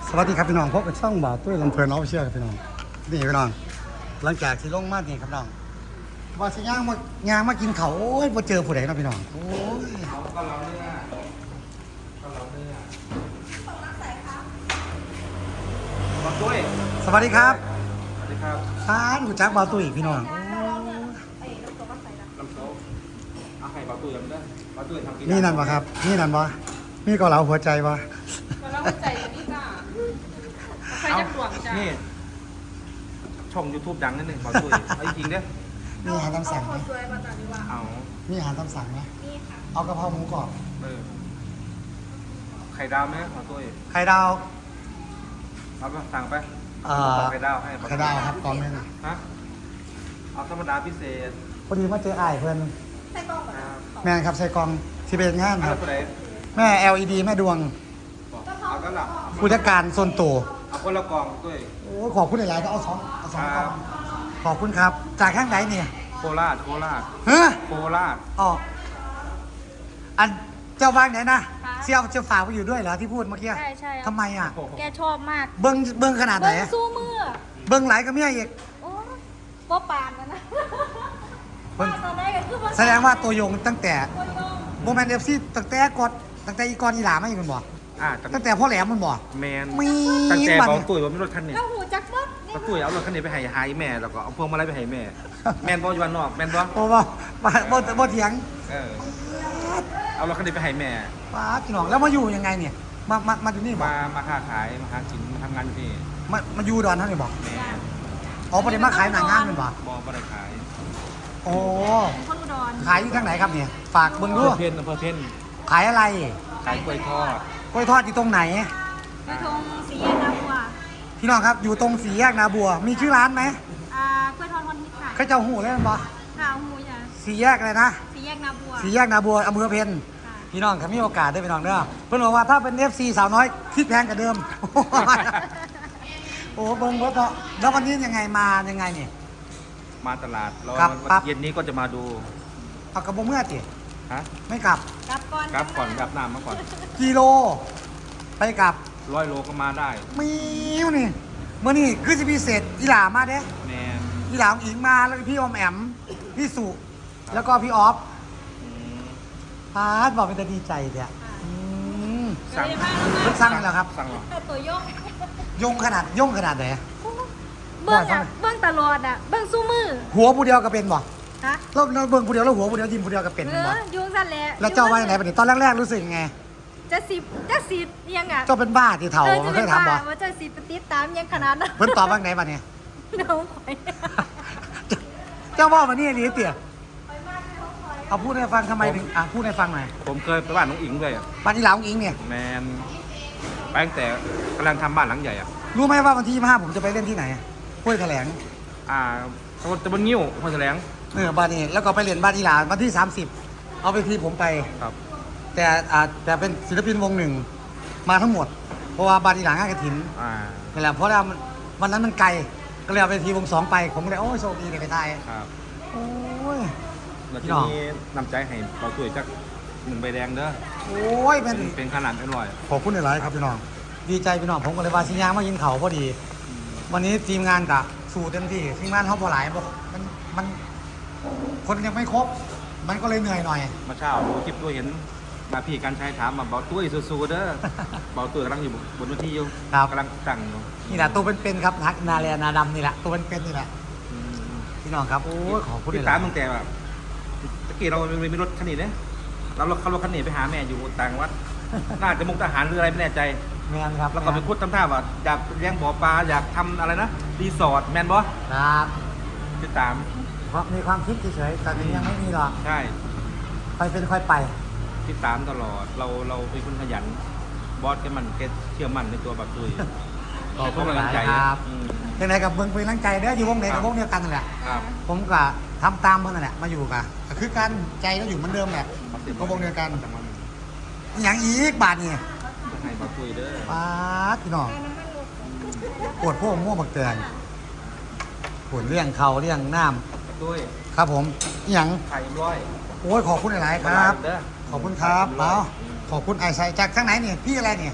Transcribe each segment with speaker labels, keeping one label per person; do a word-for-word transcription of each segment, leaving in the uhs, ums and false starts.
Speaker 1: สวัสดีครับพี่น้องพบกับช่องบ่าวตุ้ยลำเพลินออฟฟิเชียลครับพี่น้องนี่พี่น้องหลังจากที่ลงมาเนี่ยครับน้องว่าสิย่างมาย่างมากินเขาวโอ้ยมาเจอผู้ใดเนาะพี่น้องโอ้ย
Speaker 2: เขาก็เราเนื้อก็เราเนื้อบอกด้วย
Speaker 1: สวัสดีครับ
Speaker 2: สวัสดีครับ
Speaker 1: ร้านหูจักบ่าวตุ้ยพี่น้องโอ้ย
Speaker 2: ลำโซ่เอาไข่ปลาตุ้ยลำเนื้อปลาตุ้ยทำกิน
Speaker 1: นี่นั่นปะครับนี่นั่นปะนี่ก็เหลาหัวใจปะ
Speaker 3: มาแล้วใจนี่จ้าใครจะห่วงจ้า
Speaker 2: นี่ช่องยูทูบดังนิดนึงปลาตุ้ยเอาจริงๆเด้อ
Speaker 1: มีอาหารตามสั่งไหม
Speaker 3: สวยมาจากนี้ว่า
Speaker 2: เอา
Speaker 1: มีอาหารตามสั่งไหม
Speaker 3: นี่ค่ะ
Speaker 1: เอากะเพราหมูกรอบ
Speaker 2: เออไข่ดาวไหมปลาตุ้ย
Speaker 1: ไข่ดาว
Speaker 2: เอาไปสั่งไป
Speaker 1: เอ่อ
Speaker 2: ไข่ดาวให้ปล
Speaker 1: ไข่ดาวครับกล่องหนึง
Speaker 2: ฮะเอาธรรมดาพิเศษ
Speaker 1: พอดีมาเจออ้ายเพื่อน
Speaker 3: ใส่กล้องก่อน
Speaker 2: ค
Speaker 3: นะ
Speaker 2: รับ
Speaker 1: แม่นครับใส่กล่องที่เป็นงาน
Speaker 2: เอา
Speaker 1: ครับ
Speaker 2: ไปไหน
Speaker 1: แม่ แอล อี ดี แม่ดวง
Speaker 2: บอกเอาก็ละ
Speaker 1: ผู้จัดการส่วนตัว
Speaker 2: เอาคนละกล่องตุ้ย
Speaker 1: โอ้ยขอบคุณหลายๆก็เอาสองเอาสองกล่อง
Speaker 2: ครับ
Speaker 1: ขอบคุณครับ จากข้างไหนเนี่ย
Speaker 2: โคราชโคราช
Speaker 1: เฮ้ย
Speaker 2: โคราช
Speaker 1: อ๋ออันเจ้าบ้านไหนนะเสี่ยวเจ้าฝากไปอยู่ด้วยเหรอที่พูดเมื่อกี้
Speaker 3: ใช่ใช่
Speaker 1: ทำไมอ่ะ
Speaker 3: แกชอบมาก
Speaker 1: เบิ้งเบิ้งขนาดไหน
Speaker 3: เบิ้งสู้มือ
Speaker 1: เบิ้งไหลายก็เมียอีก
Speaker 3: โอ้ป๊อปานนะนะ
Speaker 1: เบิ้ง
Speaker 3: ตอนแรกก็คือ
Speaker 1: แสดงว่าตัวยงตั้งแต่
Speaker 3: ตัวยง
Speaker 1: โมเมนต์เอฟซีตั้งแต่กดตั้งแต่อีกรอีหลาไม่มันบอก
Speaker 2: อ่า
Speaker 1: ตั้งแต่พ่อแหลมมันบอก
Speaker 2: แมน
Speaker 1: มี
Speaker 2: ตั้งแต่
Speaker 1: บัตร
Speaker 2: บอกตุ้ยว่ามีรถคันนี้
Speaker 3: แล้วหูจักรถนี่
Speaker 2: ป้าตุ้ยเอารถคันนี้ไปให้หายแม่แล้วก็เอาพวงมาลัยไปให้แม่ แม่นบ่อยู่บ้านนอกแม่นบ่
Speaker 1: โอ้บ่บ่บ่บ่เถียง
Speaker 2: เออเอารถคันนี้ไปให้แม่
Speaker 1: ป้าพี่น้องแล้วมาอยู่ยังไงเนี่ยมามามาอยู่นี่บอก
Speaker 2: มามาค้าขายมาหากินมาทำงานอยู่นี่
Speaker 1: มามาอยู่ดอนท่านนี่บอก
Speaker 2: แม่
Speaker 1: อ๋อประเด็นมาขายหนังงานเป็นบอก
Speaker 2: บ่บ่ได้ขาย
Speaker 1: โอ้
Speaker 3: คนอุดร
Speaker 1: ขายอยู่ทางไหนครับเนี่ยฝากเบิ้งดู
Speaker 2: อำเภอเพนอำเภอเพน
Speaker 1: ขายอะไร
Speaker 2: ขายกล้วยทอด
Speaker 1: กล้วยทอดอยู่ตรงไหน
Speaker 3: กระทงสีแยกน้ำวัว
Speaker 1: พี่น้องครับอยู่ตรงสี่แยกนาบัว มีชื่อร้านไหม
Speaker 3: อ่ากล้วยทอดคนฮิตค่ะ
Speaker 1: เขาเจ้าหูเลยมั้ยบอ
Speaker 3: ข้าวหูจ้ะ
Speaker 1: สี่แยกอะไรนะ
Speaker 3: สีแยกน้ำวัว
Speaker 1: สี่แยกนาบัวอำเภอเพน
Speaker 3: ค่ะ
Speaker 1: พี่น้องครับมีโอกาสได้พี่น้องเด้อเพื่อนบอกว่าถ้าเป็น เอฟ ซี สาวน้อยคิดแพงกว่าเดิม โอ้เบิ้งรถเนาะแล้ววันนี้ยังไงมายังไงเนี่ย
Speaker 2: มาตลาดแล้ว
Speaker 1: ครับ
Speaker 2: วัน
Speaker 1: ครับ
Speaker 2: เย็นนี้ก็จะมาดู
Speaker 1: เอากระบอกเมื่อจิ
Speaker 2: ฮะ
Speaker 1: ไม่กลับ
Speaker 3: กลับก่อน
Speaker 2: กลับก่อนกลับน้ำมาก่อน
Speaker 1: กิโล ไปกลับ
Speaker 2: ร้อยโลก็มาได้
Speaker 1: มีวนี่เมื่อนี่คือจะพิเศษอีหลามาเด้
Speaker 2: แม่น
Speaker 1: อีหลาของอิงมาแล้วก็พี่ออมแอมพี่สุแล้วก็พี่ออฟ
Speaker 2: อืม
Speaker 1: พาร์ทบอกเป็นแต่ดีใจเนี่ยอืม
Speaker 2: สั่ง
Speaker 1: เพิ่งสร้างนี่แหละครับ
Speaker 2: สั่งเหรอ
Speaker 3: ตัวยง
Speaker 1: ยงขนาดยงขนาดไหน
Speaker 3: เบิ้งอ่ะเบิ้งตลอดอ่ะเบิ้งสู้มือ
Speaker 1: หัวผู้เดียวก็เป็นบ่
Speaker 3: ฮะ
Speaker 1: เราเราเบิ่งผู้เดียวแล้วหัวผู้เดียวยิ้มผู้เดียวก็เป็น
Speaker 3: เอ
Speaker 1: บ่
Speaker 3: อยุงสั่นแหละ
Speaker 1: แล้วเจ้าว่าอย่างไรปะเนี่ยตอนแรกๆรู้สึกยังไง
Speaker 3: จะสิบจะสิบยังอ่ะ
Speaker 1: เจ้าเป็นบ้าที่เถ่า
Speaker 3: เออ
Speaker 1: มั
Speaker 3: จะ
Speaker 1: นเค
Speaker 3: เป็น
Speaker 1: ยถามบ่
Speaker 3: บ้าว่าจะสิบปฏิดตามยังขนาดนั้น
Speaker 1: เพิ่นตอบว่าไงปะเนี่ย
Speaker 3: น้องข่อย
Speaker 1: เจ้าว่ามานี่นี่เตี๋ยเอาพูดให้ฟังทำไมถึงอ่ะพูดให้ฟังหน่อย
Speaker 2: ผมเคยไปบ้านน้องอิงด้วยอะ
Speaker 1: บ้านอีหลาของอิงเนี่ย
Speaker 2: แมนไปตั้งแต่กำลังทำบ้านหลังใหญ่อ่ะ
Speaker 1: รู้ไหมว่าวันที่ยี่สิบห้าผมจะไปเล่นที่ไหนห้วยแถลง
Speaker 2: อ่าตะบนตะบนงิ้วพอแถลง
Speaker 1: เออบ้านนี้แล้วก็ไปเรียนบ้านอีหลาวันที่สามสิบเอาไปทีผมไป
Speaker 2: ครับ
Speaker 1: แต่อ่าแต่เป็นศิลปินวงหนึ่งมาทั้งหมด เพราะว่าบ้านอีหลางานกระถิน
Speaker 2: อ่า
Speaker 1: นี่แหละเพราะว่ามันวันนั้นมันไกลก็เลยเอาไปทีวงสองไปผมก็เลยโอ้ยโชคดีเลยไปไทย
Speaker 2: ครับ
Speaker 1: โอ้ย
Speaker 2: แล้ว
Speaker 1: พี่
Speaker 2: ที
Speaker 1: น้อง
Speaker 2: นี้นำใจให้เราช่วยจักหนึ่งใบแดงเด้อ
Speaker 1: โอ้ยเป็น
Speaker 2: เป็นเป็นขนาดอร่อย
Speaker 1: ขอบคุณหลายๆครับพี่น้องดีใจพี่น้องผมก็เลยว่าสิยางมายินเขาพอดี วันนี้ทีมงานกะสู่เต็มที่ทีมงานเขาพอหลายบอกมันมันคนยังไม่ครบ มันก็เลยเหนื่อยหน่อย
Speaker 2: มาเช้าดูคลิปด้วยเห็นมาพี่การใช้ถามมาเบาตุ้ยสู้ๆเด้อ เบาตุ้ยกำลังอยู่บนเวทีอยู่
Speaker 1: ครับ
Speaker 2: กำลังตั้งอยู่
Speaker 1: นี่แหละตัวเป็นๆครับนักนาเรียนาดำนี่แหละตัวเป็นๆนี่แหละ
Speaker 2: อืม
Speaker 1: พี่น้องครับโอ้ยขอบคุณห
Speaker 2: ติด
Speaker 1: ลา
Speaker 2: ตาม
Speaker 1: ย
Speaker 2: ตั้งแต่แบบตะกี้เรามีรถคันนี้เนี่ยเราเราขับรถคันนี้ไปหาแม่อยู่ต่างวัด น่าจะมุกทหารหรืออะไรไม่แน่ใจ
Speaker 1: แมนครับ
Speaker 2: แล้วก็ไปพูดทำท่าว่าอยากเลี้ยงบ่อปลาอยากทำอะไรนะรีสอร์ทแมนบอ
Speaker 1: ครับ
Speaker 2: ติดตาม
Speaker 1: เพราะมีความคิดเฉยๆแต่นี้ยังไม่มีหรอก
Speaker 2: ใช่
Speaker 1: ค่อยเป็นค่อยไป
Speaker 2: ติดตามตลอดเราเราเป็นคนขยัน บอสแกมันแกเชื่อมั่นในตัวบักตุย
Speaker 1: ขอบคุณ
Speaker 2: ให้
Speaker 1: หลาย
Speaker 2: กำลังใจ
Speaker 1: ครับ
Speaker 2: อืม
Speaker 1: ยังไงกับเบิ้งเป็นร่างใจเด้ออยู่วงไหนกับวงเดียวกันนั่นแหละ
Speaker 2: ครับ
Speaker 1: ผมก็ทำตามเพื่อนนั่นแหละมาอยู่กับก็คือกันใจก็อยู่เหมือนเดิมแหละก็วงเดียวกัน
Speaker 2: จังหวะนี้
Speaker 1: อย่างอีกบาทนี่
Speaker 2: ให้บักตุยเด้อ
Speaker 1: ป้าดพี่น้องปวดพวกม่วงบักเตือนปวดเรื่องเขาเรื่องน้
Speaker 2: บักตุย
Speaker 1: ำครับผมอหย่าง
Speaker 2: ไข่ร้อย
Speaker 1: โอ้ยขอบคุณหลายๆครับ
Speaker 2: เด้อ
Speaker 1: ขอบคุณครับ
Speaker 2: ร้
Speaker 1: เอา
Speaker 2: อย
Speaker 1: ขอบคุณไอ้ใส่จากข้างไหนเนี่ยพี่อะไรเนี่ย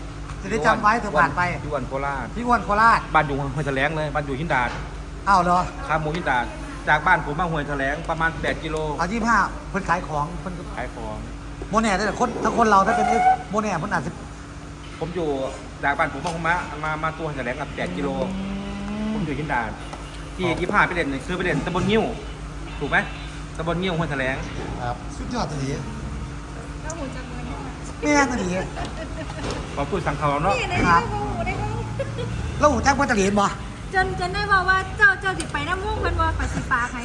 Speaker 1: จะได้จำไว้เธอผ่านไป
Speaker 2: อยู่อันโคราช
Speaker 1: พี่อ้วนโคราช
Speaker 2: บ้านอยู่ห้วยแถลงเลยบ้านอยู่หินดาด
Speaker 1: อ้าวเหรอ
Speaker 2: ข้ามหมูหินดาดจากบ้านผมมาห้วยแถลงประมาณแปดกิโล
Speaker 1: เอายี่ห้าเพิ่นขายของเพิ่น
Speaker 2: ขายของ
Speaker 1: โมเน่ได้แต่คนถ้าคนเราถ้าเป็นโมเน่เพิ่นอาจจะ
Speaker 2: ผมอยู่จากบ้านผมมามามามาตัวห้วยแถลงกับแปดกิโลผมอยู่หินดาดที่ยี่ห้าไปเด่นเนี่ยคือไปเด่นตำบลงิ้วถูกไหมตำบลงิ้วห้วยแถลง
Speaker 1: ครับสุดยอดตลี
Speaker 3: ก็หูจักเลย
Speaker 1: แม่ตลี
Speaker 2: ขอพูดสั่งเขาเนาะ
Speaker 3: นี่ได้ได้ก็หูได้ก็
Speaker 1: แล้วหูแจ้งว่าตลีบ่
Speaker 3: จนจนได้บอกว่าเจ้าเจ้าสิไปน้ำม่วงเพิ่นว่าปัสสิฟ้าใคร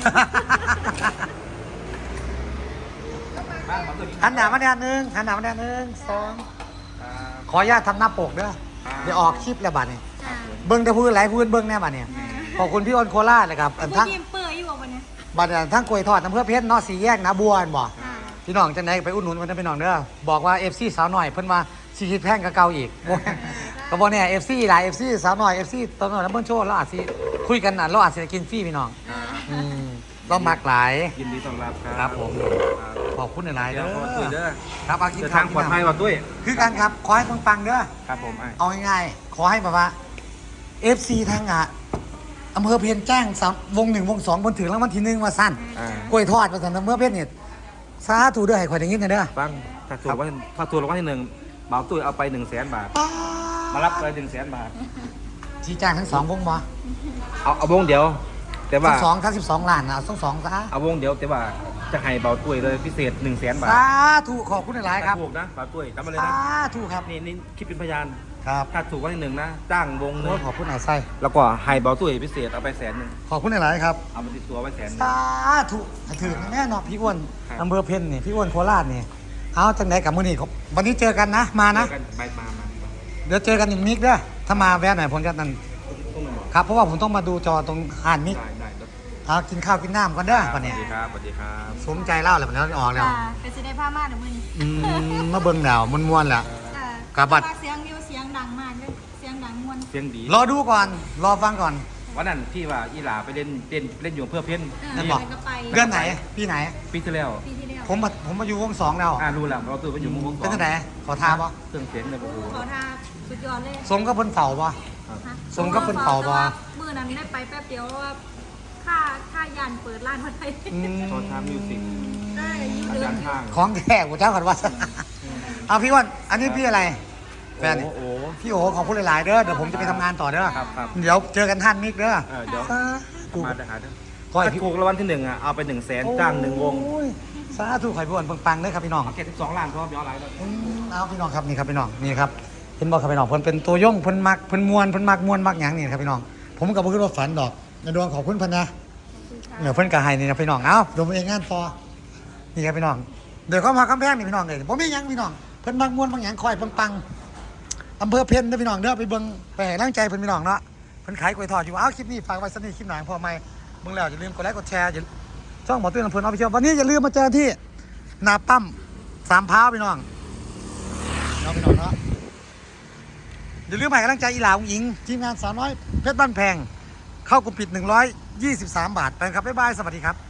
Speaker 2: บ้านขอตัว
Speaker 1: หันหน้ามาแดนหนึ่งหันหน้ามาแดนหนึ่งสองขออนุญาตทำหน้าปกเด้อเดี๋ยวออกคลิปแล้วบัดนี้
Speaker 3: จ้า
Speaker 1: เบิ้งแต่พูดหลายพูดเบิ้งแน่บัดนี้ขอบคุณพี่อ้นโคราชเลยครับอัน
Speaker 3: ผู้
Speaker 1: ทั้ง
Speaker 3: ยิ้มเปื่อยอยู่บ่วันนี้
Speaker 1: บัดนี้ทั้งกล้วยทอดน้ำเพื่อเพชรเนาะสีแยกนะบัวอันบ่
Speaker 3: อ่า
Speaker 1: พี่น้องจังไหนไปอุดหนุนกันพี่น้องเด้อบอกว่า เอฟ ซี สาวหน่อยเพิ่นมาสิคิดแพงกับเก่าอีกก็บ่แน่ เอฟ ซี หลาย เอฟ ซี สาวหน่อย เอฟ ซี ตอนนั้นเบิ่งโชว์เราอาจสิคุยกันน่ะเราอาจสิได้กินฟรีพี่น้องอืมเรามักหลาย
Speaker 2: ยินดีต้อนรับครับ
Speaker 1: ครับผม ขอบคุณหลายๆ
Speaker 2: เดี๋
Speaker 1: เด้
Speaker 2: ยวขอตุ้ยเด้
Speaker 1: อ
Speaker 2: อ
Speaker 1: ครับเอากิน
Speaker 2: เดิน
Speaker 1: ข้า
Speaker 2: ทาว งปลอดภัยว่ะตุ้ย
Speaker 1: คือกันครับขอให้ปังๆเด้อ
Speaker 2: ครับผมไอ้
Speaker 1: เอาง่ายๆขอให้แบบว่า เอฟ ซี ทางอ่ะอำเภอเพียรแจ้งสามวงหนึ่งวงสองบนถึงรางวัลที่หนึ่งมาสั้น
Speaker 2: อ่าก
Speaker 1: ล้วยทอดมาสั่นอำเภอเพียรเนี่ยสาธุเด้อให้ข่อยได้ยินกันเด้อ
Speaker 2: ฟังถ้าถูกว่าถ้าถูกรางวัลที่หนึ่งเหมาตุ้ยเอาไปหนึ่งแสนบาท
Speaker 1: ป๊า
Speaker 2: มารับเลยหนึ่งแสนบาท
Speaker 1: ชี้แจงทั้งสองวงบ่
Speaker 2: เอาเอาวงเดียว แต่ว่า
Speaker 1: ทั้งสองทั้งสิบสองล้านนะเอาทั้งสองซะ
Speaker 2: เอาวงเดียวแต่ว่าจะให้เบาตุ้ยเลยพิเศษหนึ่งแสนบาท
Speaker 1: สาธุขอบคุณหลายๆครับ
Speaker 2: ถ้าถูกนะเบาตุ้ยจำมาเลย
Speaker 1: สา
Speaker 2: นะ
Speaker 1: ธุครับ
Speaker 2: นี่นี่คิดเป็นพยาน
Speaker 1: ครับ
Speaker 2: ถ้าถูกรางวัลที่หนึ่งนะ จ้างวงหนึ
Speaker 1: โอ้
Speaker 2: ง
Speaker 1: ยขอบคุณหลายไส้
Speaker 2: แล้วก็ให้เบาตุ้ยพิเศษเอาไปแสนหนึ่ง
Speaker 1: ขอบคุณหลายๆครับ
Speaker 2: เอามาติดตัวไว้แสนหนึ่ง
Speaker 1: สาธุถึงแน่นอนพี่อ้วน
Speaker 2: ครับ
Speaker 1: อำเภอเพ็ญนี่พี่อ้วนโคราชนี่เอาจังไหนกับมื้อนี้ครับวันนี้เจอกันนะมานะ
Speaker 2: เจอกันไปมามา
Speaker 1: เดี๋ยวเจอกันอีกมิกเด้อถ้ามาแวะหน่อยผมจะนั่น
Speaker 2: ต้องมาบอก
Speaker 1: ครับเพราะว่าผมต้องมาดูจอตรงอ่านมิก
Speaker 2: ได้ได้ครับ
Speaker 1: เอากินข้าวกินน้ำก่อนเด้อ
Speaker 2: ส
Speaker 1: วันนี้
Speaker 2: วัสดีครับสวัสดีครับ
Speaker 1: สมใจเล่าแล้วมันนี้ออกแล้ว
Speaker 3: จ้าก็สิได้ผ้าม่านเดี๋ยวมื้อนี้
Speaker 1: อืมมาเบิ่งดาวมันม่วนๆแล้ว
Speaker 3: จ้า
Speaker 1: ครับบัด
Speaker 3: เสียงอยู่เสียงดังมากเลยเสียงดังม่วน
Speaker 2: เสียงดี
Speaker 1: รอดูก่อนรอฟังก่อน
Speaker 2: วันนั้นที่ว่าอีหลาไปเล่นเล่นเล่นอยู่เพื่อเพ้น
Speaker 3: เออ
Speaker 1: นั่นบอก
Speaker 3: ก็ไป
Speaker 1: เดือนไหนปีไหน
Speaker 2: ปีที่แล้ว
Speaker 3: ปีที่แล้ว
Speaker 1: ผมมาผมมาอยู่วงสองแล้ว
Speaker 2: อ่ารู้แล้วเราตื่นไปอยู่มุมวงสอง
Speaker 1: เป็นจังไหนขอทาบ่
Speaker 2: เครื่องเสียงเนี่ยโอ้โห
Speaker 3: ขอทาสุดยอดเลย
Speaker 1: สมกับเพิ่นเฝ้าบ่
Speaker 3: ฮะ
Speaker 1: สมกับเพิ่นเป่าบ่
Speaker 3: มื้อนั้นได้ไปแป๊บเดียวเพราะว่าค่าค่ายานเปิดร้านพัดไทย
Speaker 1: อืม
Speaker 2: ตอนทำมิวสิก
Speaker 3: ได้อยู่
Speaker 2: อา
Speaker 3: เดือ
Speaker 2: จาน รย์ข้าง
Speaker 1: ของแท้กูเจ้ากันว่าเอาพี่อ้วันอันนี้พี่อะไรแฟน
Speaker 2: โอ้โห
Speaker 1: พี่โอขอบคุณหลายๆเด้อเดี๋ยวผมจะไปทำงานต่อเด้อ
Speaker 2: ครับครับ
Speaker 1: เดี๋ยวเจอกันท่านมิกเด้อ
Speaker 2: เออเดี๋ยว
Speaker 1: สาธุ
Speaker 2: มาจะหาเด้อ
Speaker 1: ขอให้
Speaker 2: ถ้า
Speaker 1: พี่
Speaker 2: ถูกรางวัลที่หนึ่งอ่ะเอาไปหนึ่งแสนจ้างหนึ่งวง
Speaker 1: โอ้ยสาธุขอให้พี่อ้วนปังๆเด้อครับพี่น้อง
Speaker 2: เอาแค่สิบสองล้านพอย้อนหลังแล้ว
Speaker 1: อืมเอาพี่น้องครับนี่ครับพี่น้องนี่ครับเห็นบอกครับพี่น้องเพิ่นเป็นตัวย่งเพิ่นมักเพิ่นมวนเพิ่นมักมวนมักหยังนี่ครับพี่น้องผมก็บ่คิดว่าฝันดอกในดวงขอบคุณเพิ่นนะเนี่ยเพิ่นก็ให้นี่นะพี่น้องเอ้าดมเองงานพอนี่ครับพี่น้องเดี๋ยวเข้ามาคำแพงนี่พี่น้องเลยบ่มีหยังพี่น้องเพิ่นมักมวนมักหยังคอยปังๆอำเภอเพ็ญเด้อพี่น้องเด้อไปเบิ่งไปให้กำลังใจเพิ่นพี่น้องเนาะเพิ่นขายกล้วยทอดอยู่เอ้าคลิปนี้ฝากไว้สักนิดคลิปหนังพอไหมเบิ่งแล้วอย่าลืมกดไลค์กดแชร์อย่าช่องหมอตุ้ยลำเพลินออฟฟิเชียลวันนี้อย่าลืมมาเจอที่หน้าปั๊มสามพร้าวพี่น้องเนาะพี่น้องเนาะอย่าลืมให้กำลังใจอีหลาอุ้งอิงทีมงานสาวน้อยเพชรบ้านแพงเข้ากลุ่มปิดหนึ่งร้อยยี่สิบสามบาทไปครับบ๊ายบายสวัสดีครับ